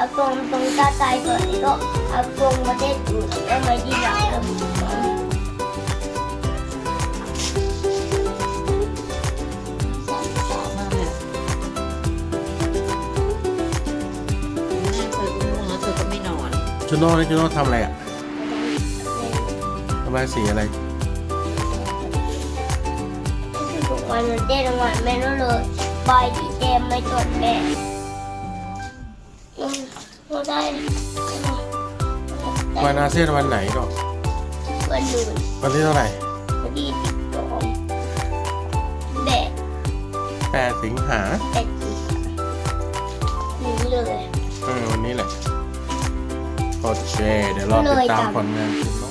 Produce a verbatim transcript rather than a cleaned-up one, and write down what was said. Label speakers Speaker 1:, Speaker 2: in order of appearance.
Speaker 1: ตรงตรงตาใจก่อนแล้วก็เอาตรงมาเด็ดอยู่แล้วมาที่หลังแล้ว
Speaker 2: สาวมากเลยแม่เธอก็ง่วงแล้วเธอก็ไม่นอน
Speaker 3: จูโน่นี่จูโน่ทำอะไรอ่ะทำอะไรสีอะไร
Speaker 1: ทุกวันมันเต้นวันแม่รู้เลยบายดีเต็มไม่จดแม่เราได้
Speaker 3: วันอาเซียนวันไหนก็
Speaker 1: วันหนึ่ง
Speaker 3: วันที่เท่าไหร่
Speaker 1: วันที่สิบสองแบะ
Speaker 3: แปดสิงหา
Speaker 1: แบะจีนี่เลย
Speaker 3: เออวันนี้แหละโอเคเดี๋ยวรอติดตามผลงานจูโน่